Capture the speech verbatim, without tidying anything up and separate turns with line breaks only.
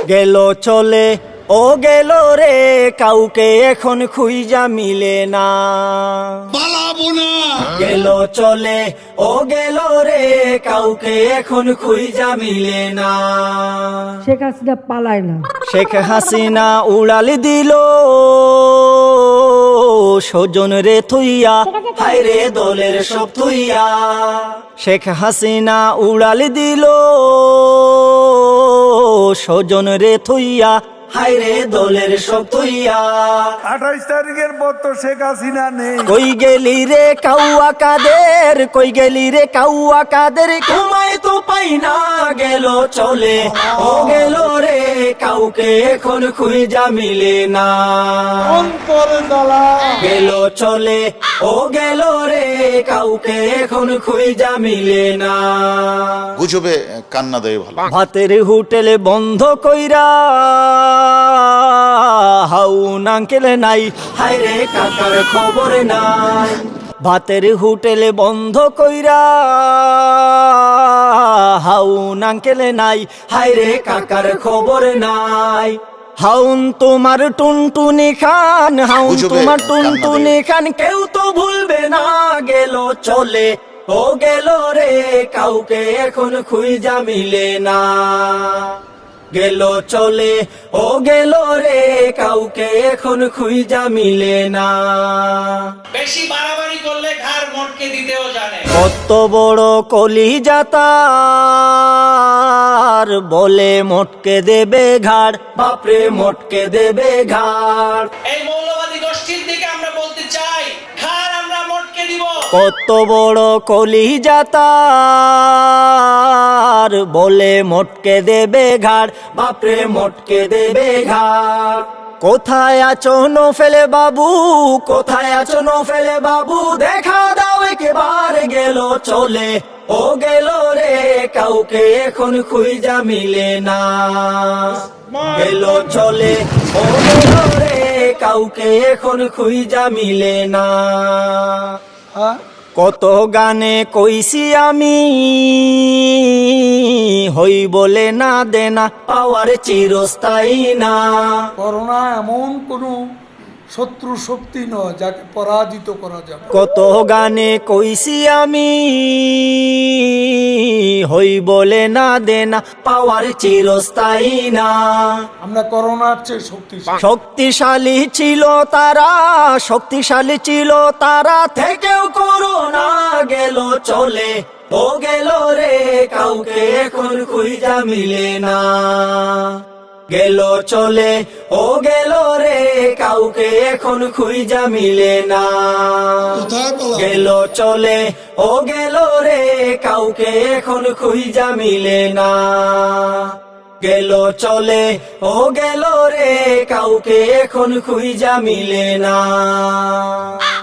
গেল চলে ও গেল রে, কাউকে এখন খুঁজা মিলে না।
পালাবো না।
গেল চলে ও গেল রে, কাউকে এখন খুঁজা মিলে না।
শেখ হাসিনা পালায় না।
শেখ হাসিনা উড়াল দিল স্বজন রে থুইয়া, হায় রে দলের সব থুইয়া। শেখ হাসিনা উড়াল দিল স্বজন রে থুইয়া, হায় রে দলের সব থুইয়া।
আঠাইশ তারিখের পর তো শেখ হাসিনা নেই।
কই গেলি রে কাউয়া কাদের, কই গেলি রে কাউয়া কাদের, ঘুমাই তো পাই না। গেল চলে ও গেল রে, কাউকে এখন খুঁজা মিলে না।
অন্তর জ্বালা।
গেল চলে ও গেল রে, কাউকে এখন খুঁজা মিলে না।
গুজবে কান্না দেয় ভালো।
ভাতের হোটেলে বন্ধ কইরা হাউন আঙ্কেল নাই, হায় রে কাকার খবর নাই। ভাতের হোটেলে বন্ধ কইরা হাউন আঙ্কেল নাই, হায় রে কাকার খবর নাই। হাউন তোমার টুনটুনি খান, হাউন তোমার টুনটুনি খান, কেউ তো ভুলবে না। গেল চলে ও গেল রে, কাউকে এখন খুঁজা মিলে না। গেল চলে ও গেল রে, কাউকে এখন খুঁজা মিলে না।
বেশি বাড়াবাড়ি করলে ঘাড় মটকে দিতেও জানে।
কত বড় কলিজা তার, বলে মটকে দেবে ঘাড়, বাপরে মটকে দেবে ঘাড়।
এই মৌলবাদী গোষ্ঠীর দিকে আমরা বলতে চাই, ঘাড় আমরা মটকে দিব।
কত বড় কলিজা তার, বলে মটকে দেবে ঘাড়, বাপরে মটকে দেবে ঘাড়। কোথায় আছো নফেলে বাবু, কোথায় আছো নফেলে বাবু, দেখা দাও একবার। গেল চলে ও গেল রে, কাউকে এখন খুঁজা মিলে না। গেল চলে ও গেল রে, কাউকে এখন খুঁজা মিলে না। কত গানে কইছি আমি, হই বলে না দেনা, পাওয়ার চিরস্থায়ী না।
করোনা এমন কোন শত্রু শক্তি নয় যাকে পরাজিত করা যাবে।
কত গানে কইছি আমি, হই বলে না দেনা, পাওয়ার চিরস্থায়ী না।
আমরা করোনার চেয়ে শক্তিশালী।
শক্তিশালী ছিল তারা, শক্তিশালী ছিল তারা, থেকেও করোনা। গেল চলে ও গেল রে, কাউকে এখন খুঁজা মিলে না। গেল চলে ও গেল রে, কাউকে এখন খুঁজা মিলে না। গেল চলে ও গেল রে, কাউকে এখন খুঁজা মিলে না। গেল চলে ও গেল রে, কাউকে এখন খুঁজা মিলে না।